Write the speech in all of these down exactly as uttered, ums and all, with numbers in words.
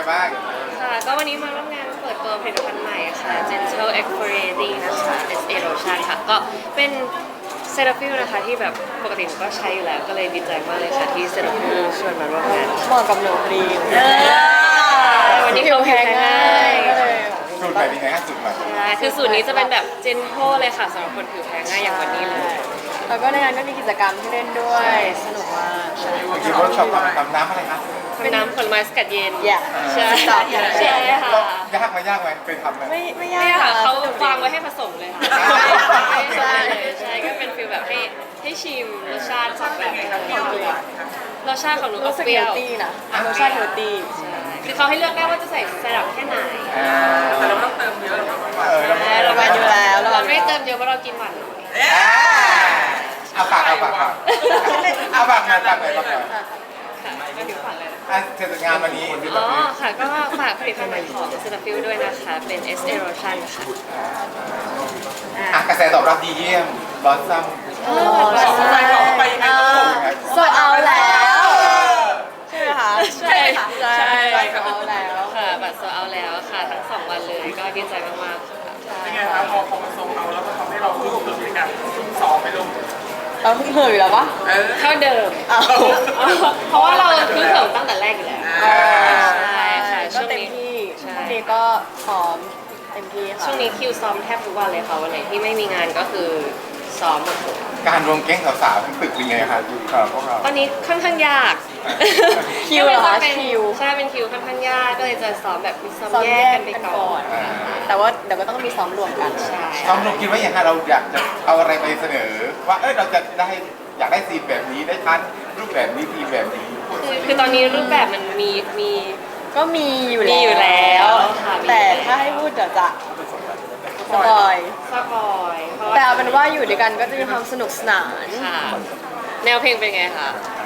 บ้างค่ะก็วันนี้มาร่วมงานเปิดตัวผลิตภัณฑ์ใหม่ค่ะ Gentle Exfoliating นะคะ เอส เอ Lotion ค่ะก็เป็นเซราฟิลนะคะที่แบบปกติหนูก็ใช้อยู่แล้วก็เลยดีใจมากเลยค่ะที่เซราฟิลชวนมาร่วมงานเหมาะกับหนูพอดีวันนี้เขาแพ้ง่ายสูตรใหม่เป็นไงฮะสูตรใหม่ใช่คือสูตรนี้จะเป็นแบบ Gentle เลยค่ะสำหรับคนผิวแพ้ง่ายอย่างวันนี้เลยแล้วก็ในงานก็มีกิจกรรมที่เล่นด้วยสนุกมากใช่เมื่อกี้เวิร์กช็อปทำทำน้ำอะไรครับทำน้ำผลไม้สกัดเย็นอย่าใช่ตอบอย่าใช่ค่ะยากไหมยากไหมเคยทำไหมไม่ไม่ยาเนี่ยกค่ะเขาสนุกดีวางไว้ให้ผสมเลยค่ะใช่ใช่ก็เป็นฟีลแบบให้ให้ชิมรสชาติของแบบรสชาติของหนูก็รู้สึกเปเฮรี้ยลวตี้นะรสชาติเฮลตี้คือเขาให้เลือกได้ว่าจะใส่ไซรัปแค่ไหนอ่าแต่เราต้องเติมเยอะเออเราไม่เรามาอยู่แล้วเราไม่เติมเยอะเพราะเรากินหวานน้อยเอาปากเอาปากเอาปากหน่อยปากหน่อยปากหน่อยค่ะก็ถึงฝันเลยนะอ่ะเทศกาลวันนี้อ๋อค่ะก็ฝากผลิตภัณฑ์ใหม่ของเซราฟิลด้วยนะคะเป็น เอส เอ Lotion ค่ะอ่ะกระแสตอบรับดีเยี่ยมบอสซัมโอ้ใช่โซเอาแล้วใช่ไหมคะใช่ค่ะใช่โซเอาแล้วค่ะบัตรโซเอาแล้วค่ะทั้งสองวันเลยก็ดีใจมากๆค่ะเป็นไงครับพอพอมันทรงเอาแล้วมันทำให้เรารู้สึกในการซุ่มซ้อมไปลงเราเพิ่งเหยอยู่แล้วปะเออเท่าเดิมอ้าวเพราะว่าเราคือเถิงตั้งแต่แรกอยู่แล้วอ่าใช่ค่ะก็ช่วงเต็มนี้ที่ใช่ช่วงนี้ก็ซ้อมเต็มที่ค่ะช่วงนี้คิวซ้อมแทบทุกวันเลยค่ะวันไหนที่ไม่มีงานก็คือซ้อมหมดเลยการรวมแก๊งสาวๆทั้งตึกเป็นไงครับสำหรับพวกเราตอนนี้ค่อนข้างยากคิวเหรอคะก็เลยจะเป็นคิวใช่เป็นคิวค่อนข้างยากก็เลยจะซ้อมแบบมีซ้อมซ้อมแยแยกกกันไปกันก่ก่ออน น แต่ว่าเดี๋ยวก็ต้องมีซ้อมรวมกันใช่ซ้อมลงคิดว่าอย่างไรเราอยากจะเอาอะไรไปเสนอ ว่าเออเราจะได้อยากได้ซีนแบบนี้ได้พันรูปแบบนี้ทีแบบนี้คือคือตอนนี้รูปแบบมันมีมีก็มีอยู่มีอยู่แล้วค่ะมีแต่ถ้าให้พูดเดี๋ยวจะสปอยสปอยเพราะแต่ว่าเอาเป็นว่าอยู่ด้วยกันก็จะมีความสนุกสนานค่ะ แนวเพลงเป็นไงคะ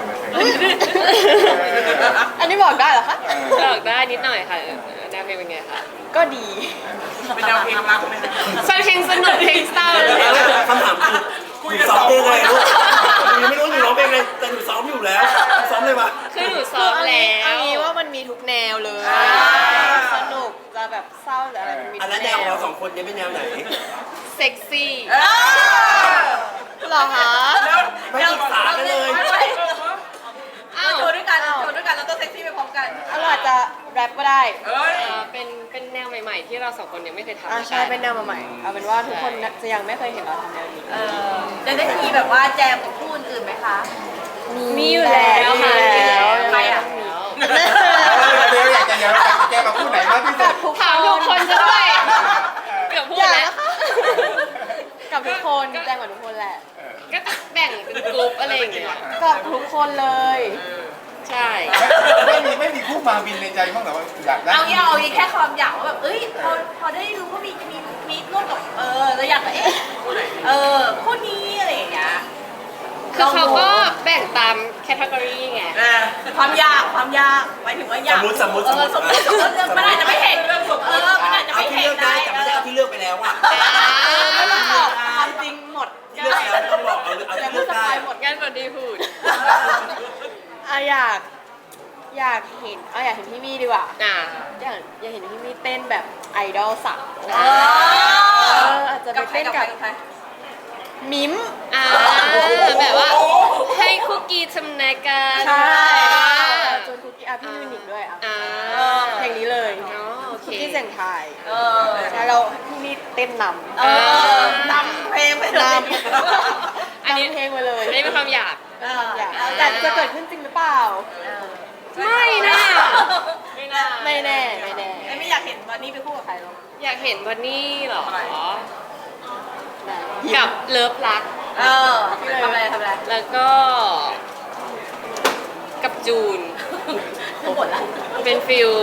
อันนี้บอกได้เหรอคะบอกได้นิดหน่อยค่ะเออแนวเพลงเป็นไงคะก็ดีเป็นแนวเพลงรักไหมฟังเพลงสนุกเพลงเศร้าเลยคำถามคือหนูซ้อมเพลงอะไรลูกหนูยังไม่รู้หนูร้องเพลงอะไรแต่หนูซ้อมอยู่แล้วซ้อมเลยปะคือหนูซ้อมแล้วเอางี้ว่ามันมีทุกแนวเลย สนุกจะแบบเศร้าหรืออะไรมันมีอัทุนกนั้นแนแนววเราสองคนเนี่ยเป็นแนวไหนเซ็กซี่เหรอคะไม่ปรึกษากันเลยอ้าวโชว์ด้วยกันโชว์ด้วยกันแล้วก็เซ็กซี่ไปพร้อมกันเราอาจจะแรปก็ได้เอ้ยเอ่อเป็นเป็นแนวใหม่ๆ ที่เราสองคนยังไม่เคยทำอ่าใช่เป็นแนวใหม่ๆเอาเป็นว่าทุกคนจะยังไม่เคยเห็นเราทำแนวนี้เออจะได้มีแบบว่าแจมกับคู่อื่นๆไหมคะมีอยู่แล้วค่ะมีอยู่แล้วใครอ่ะเดี๋ยวอยากจะเดี๋ยวอยากจะแก้มาพูดไหนมากที่สุดถามทุกคนจะด้วยเกือบพูดอย่าแล้วนะคะกับทุกคนแจ้งกับทุกคนแหละก็แบ่งเป็นกลุ่มอะไรอย่างเงี้ยกับทุกคนเลยใช่ไม่มีไม่มีคู่มาบินในใจบ้างเหรอว่าอยากได้เอางี้เอางี้แค่ความอยากว่าแบบเอ้ยพอพอได้รู้ว่ามีมีมีร่วมกับเออเราอยากแบบเอ๊ะเออคู่นี้อะไรอย่างเงี้ยคือเขาก็แบ่งตามแคตตากรีไงเออความยากความยากหมายถึงว่าสยากมมติสมมติเออสมมติสมมติเรื่องมันอาจจะไม่เห็นเออมันอาจจะเอาไม่ที่เห็เลืนอกได้ได้แต่ไม่ได้เอาที่เลือกไปแล้วอ่ะไม่ต้องบอกความจริงหมดที่เลือกแล้วไม่ต้องบอกเอาเอาอย่าที่พูเลืดอกสได้ปายหมดงั้นวันดีพูดอ่ะอยากอยากเห็นเอาอยากเห็นพี่มี่ดีกว่าอ่าอยากอยากเห็นพี่มี่เต้นแบบไอดอลสาวเอเออออาจจะไปกับใครเต้นกับใครกับกับใครมิมอ่าแบบว่าให้คุกกี้ทำนายการใช่อ่าจนคุกกี้อ่ะพี่มิวนิกด้วยอ่ะอ่าเพลงนี้เลยอ๋อโอเคคุกกี้เสียงไทยเออใช่เราพี่มี่เต้นนำเออนำเพลงไปเลยนำอันนี้นำเพลงไปเลยอันนี้เป็นความอยากเอออยากแต่จะเกิดขึ้นจริงหรือเปล่าไม่นะไม่น่าไม่แน่ไม่แน่ไอ้ไม่อยากเห็นวันนี้ไปคู่กับใครหรอกอยากเห็นวันนี้เหรอได้กับเลิฟรักเออทำอะไรทำอะไรแล้วก็กับจูนทั้งหมดละเป็นฟิล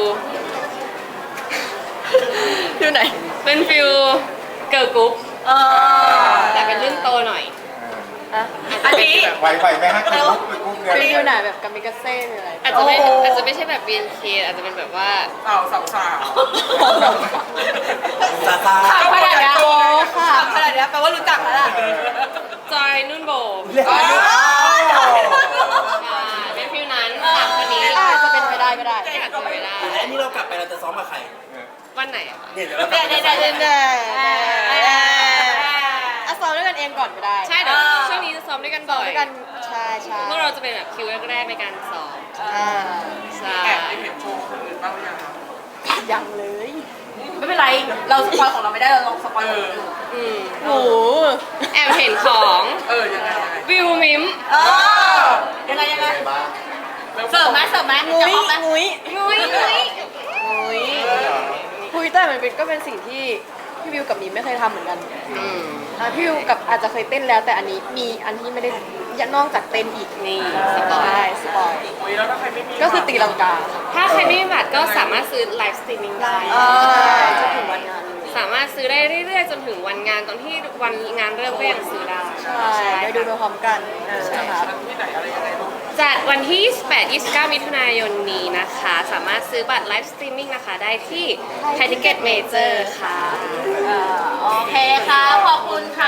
อยู่ไหนเป็นฟิลเกิร์ลกรุ๊ปเออแต่เป็นรุ่นโตหน่อยอ่ะอาจจะเป็นแบบไหวไหวไหมฮะคือคู่คู่เนี่ยเป็นอยู่ไหนแบบกามิกาเซ่หรืออะไรอาจจะไม่โโหอาจจะไม่ใช่แบบ บี เอ็น เค อาจจะเป็นแบบว่าสาวสาวสาวซาซาข่าวขนาดนี้โอ้ค่ะข่าวขนาดนี้แปลว่ารู้จักแล้วล่ะจอยนุ่นโบมอ้าวอ่าเป็นฟิลนั้นสามคนนี้อาจจะเป็นไปได้ก็ได้อาจจะไม่ได้และอันนี้เรากลับไปเราจะซ้อมกับใครวันไหนอะคะเนี่ยเดี๋ยวเราเดี๋ยวเดี๋ยวเดี๋ยวเดี๋ยวเดี๋ยวอ่ะซ้อมด้วยกันเองก่อนก็ได้ใช่เดี๋ยวช่วงนี้จะซ้อมด้วยกันบ่อยด้วยกันใช่ใช่พวกเราจะเป็นแบบคิวแรกๆในการซ้อมอ่าใช่แอบได้เห็นโชว์คนอื่นบ้างหรือยังครับยังเลย ไม่เป็นไร เราสปอยของเราไม่ได้เราลองสปอยของคนอื่นอืมโอ้โหแอบเห็นของเออยังไงยังไงวิวมิมเออยังไงยังไงไงบ้างเสิร์ฟไหมเสิร์ฟไหมงุ้ยจะบอกไหมงุ้ยงุ้ยงุ้ยงุ้ยคุยแต่มันเป็นก็เป็นสิ่งที่พี่วิวกับมีไม่เคยทำเหมือนกันอืมอ่ะพี่วิวกับอาจจะเคยเต้นแล้ว แต่อันนี้มีอันที่ไม่ได้นอกจากเต้นอีกนี่สปอยใช่สปอยโอ้ยแล้วถ้าใครไม่มีก็คือตีลังกาถ้าใครไม่มีบัตรก็สามารถซื้อไลฟ์สตรีมมิ่งได้อ่าจนถึงวันงานเลยสามารถซื้อได้เรื่อยๆ จนถึงวันงานตอนที่วันงานเริ่มก็ยังซื้อได้ใช่ได้ดูไปพร้อมกันนะคะชั้นที่ไหนอะไรยังไงลูกจัดวันที่ ยี่สิบแปด ยี่สิบเก้า มิถุนายนนี้นะคะ สามารถซื้อบัตรไลฟ์สตรีมมิ่งนะคะได้ที่ไทยทิเก็ตเมเจอร์ค่ะโอเคค่ะ ขอบคุณค่ะ